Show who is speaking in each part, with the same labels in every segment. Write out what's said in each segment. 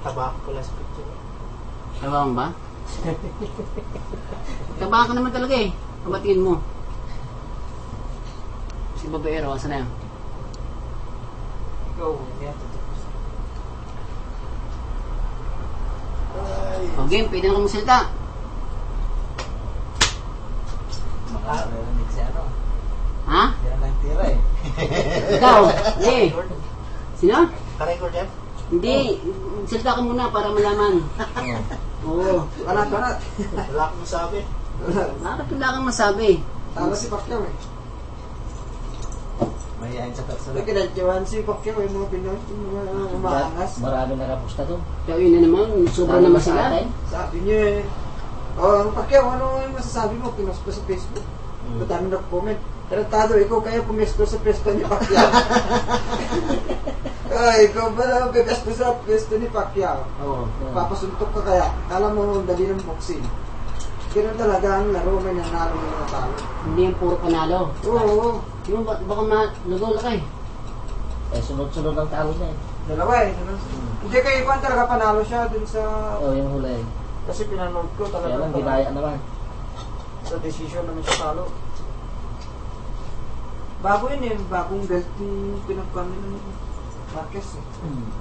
Speaker 1: Taba ko pala sa picture.
Speaker 2: Tabang ba? Taba ka naman talaga eh. Kabatiin mo. Si babaero, asa na yan?
Speaker 1: Ikaw, hindi yan tatapos.
Speaker 2: O game, pwede na kang magsalita.
Speaker 1: Makarinig si ano.
Speaker 2: Ha?
Speaker 1: Hindi na lang tira eh.
Speaker 2: Ikaw? Hindi. Sino?
Speaker 1: Ka-record yan?
Speaker 2: Hindi. Salita ka muna para malaman. Oo.
Speaker 3: Karat.
Speaker 1: Wala akong masabi.
Speaker 2: Bakit wala kang masabi?
Speaker 3: Tama si Pacquiao eh.
Speaker 1: Mayayain sa personal.
Speaker 3: May kinadyawan si Pacquiao yung mga Pinoy, yung mga umaangas.
Speaker 4: Marami nakapusta doon.
Speaker 2: Kaya yun na naman, sobra naman sila.
Speaker 3: Sabi niya eh, oh, Pacquiao, ano yung masasabi mo? Pinost ko sa Facebook. Madami na-comment. Tarantado, ikaw kaya pumesto sa pwesto ni Pacquiao. Ay, ikaw ba na pumesto sa pwesto ni Pacquiao?
Speaker 2: Oo.
Speaker 3: Papasuntok ka kaya. Kala mo dali ng boxing. Ganun talaga ang laro, may nanalo ng mga talo.
Speaker 2: Hindi yung puro panalo.
Speaker 3: Oo.
Speaker 2: Yung baka nagol ka eh.
Speaker 4: Eh, sunod-sunod ang talo niya eh.
Speaker 3: Dalawa eh. Hindi kay Juan talaga panalo siya dun sa...
Speaker 4: Oo, yung huli.
Speaker 3: Kasi pinanood ko
Speaker 4: Kaya
Speaker 3: talaga.
Speaker 4: lang, ginaya naman.
Speaker 3: Sa decision naman siya talo. Bago yun eh. Bagong belt yung pinagkami ng Marquez eh.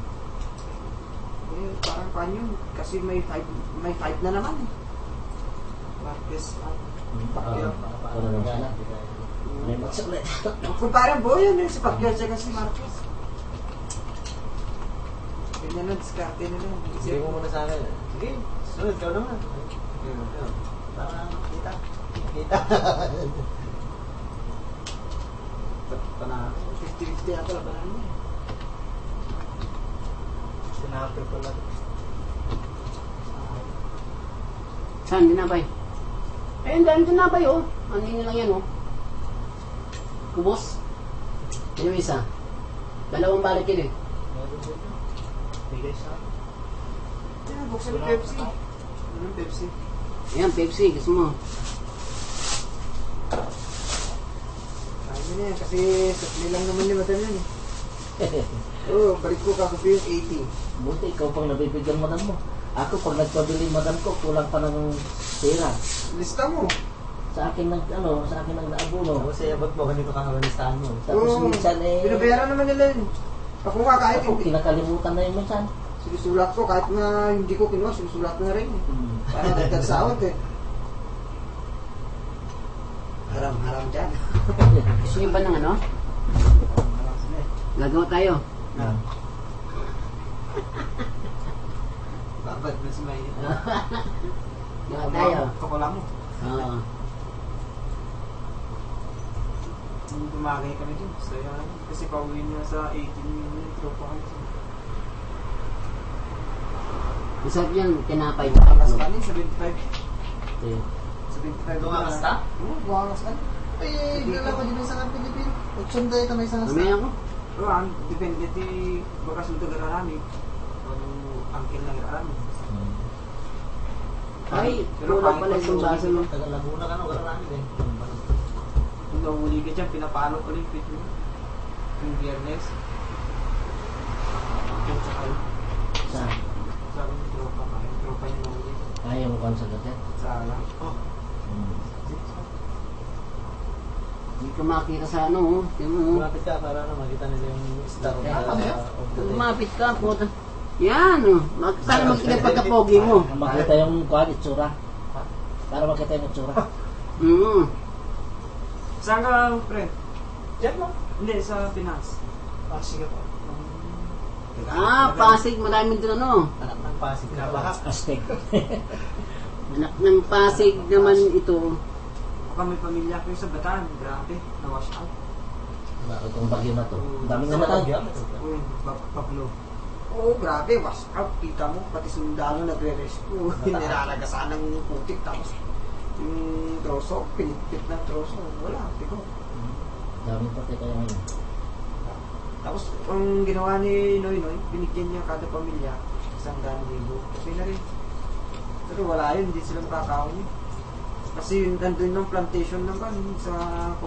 Speaker 3: Eh, parang pa yun. Kasi may fight na naman eh. Marquez at Pacquiao.
Speaker 4: Wala naman sila. May match ulit.
Speaker 3: Kung parang buo yun eh. Si Pacquiao siya kasi Marquez. Ganyan na, diskarte nila.
Speaker 1: Sige mo muna sa akin. Sige, sunod ka naman. Para kita. Kita.
Speaker 3: Panalo. 50-50 yata labanan niya eh.
Speaker 1: Sinabi ko lang.
Speaker 2: Saan? Dinabay? Eh, ang dami dinabay oh. Ano yun lang yan oh. Kubos? Yun yung isa. Dalawang balik yun eh.
Speaker 1: Meron dito. Bigay sa akin.
Speaker 3: Yeah, buksan ng Pepsi. Anong Pepsi?
Speaker 2: Ayan, Pepsi. Gusto mo?
Speaker 3: Sabi niya kasi sakli lang naman ni Madam yun eh. Oo, balik ko kakapi yung 80.
Speaker 4: Buti, ikaw pang nabibigyan madam mo. Ako, pag nagpabili madam ko, kulang pa ng pera.
Speaker 3: Lista mo.
Speaker 4: Sa akin ng, sa akin ng naabuno.
Speaker 1: Tapos sa abot mo, ganito kakawalistahan mo.
Speaker 4: Tapos
Speaker 3: Oo.
Speaker 4: minsan eh,
Speaker 3: Binabayaran naman nila yun. Ako nga kahit
Speaker 4: ako,
Speaker 3: hindi.
Speaker 4: kinakalimutan na yun minsan.
Speaker 3: Sinusulat ko kahit na hindi ko kinuha, sinusulat ko na rin eh. Para dagdag sahod eh. Haram-haram dyan.
Speaker 2: Gusto nyo ba ng ano? Gagawa tayo.
Speaker 1: Babad na si May.
Speaker 2: Gagawa tayo.
Speaker 3: Kapala mo.
Speaker 2: Oo.
Speaker 3: Tumagay kami dun. Saya kasi pauwi niya sa 18 yung tropa kami.
Speaker 2: Masarap yan, tinapay.
Speaker 3: Buwangas ka rin, 75.
Speaker 4: Eh,
Speaker 3: 75.
Speaker 1: Buwangas ka?
Speaker 3: Oo, buwangas ka. Eh, dala ko din sa Pilipino. Utsunday ka may sa
Speaker 2: Mamaya ako.
Speaker 3: Oo, ang depende ti bakas mo taga rami. Kung angkin lang rami.
Speaker 2: Ay, kulang pala isang baso mo.
Speaker 1: Taga Laguna ka no, wala namin eh.
Speaker 3: Kung nahuli ka dyan, pinapalo ko rin mo. Yung biyernes. Yung tsaka yun.
Speaker 4: saan?
Speaker 3: Sabi ng tropa ka. Yung tropa yung nahuli.
Speaker 4: Ayaw mo kang sagot yan?
Speaker 3: Sa alam. Oh.
Speaker 2: Hindi ka makita sa ano oh. Tingnan mo oh.
Speaker 1: Lumapit ka para makita nila yung star of the day.
Speaker 2: Lumapit ka, puta. Yan oh. Sana makita yung pagkapogi mo.
Speaker 4: Makita yung kuhan, itsura. Para makita yung itsura.
Speaker 3: Saan ka, friend?
Speaker 1: Diyan mo.
Speaker 3: Hindi, sa Pinas.
Speaker 1: Ah, sige po.
Speaker 2: Pasig. Maraming doon ano.
Speaker 1: Anak ng Pasig. Pinabahak.
Speaker 4: Aztec.
Speaker 2: Anak ng Pasig naman ito.
Speaker 3: Baka may pamilya ko yung sa Bataan. Grabe, na-wash out.
Speaker 4: Bakit itong bagyo na to? Ang daming namatay.
Speaker 3: Uy, Pablo. Oo, grabe, wash out. Kita mo, pati sundalo nagre-rescue. Nilalagasan ng putik. Tapos, yung troso, pinipit ng troso. Wala, tiko.
Speaker 4: Daming patay kaya ngayon.
Speaker 3: Tapos, ang ginawa ni Noy, binigyan niya kada pamilya 100,000. Okay na rin. Pero wala yun, hindi sila makakaon. Kasi nandun ng plantation naman sa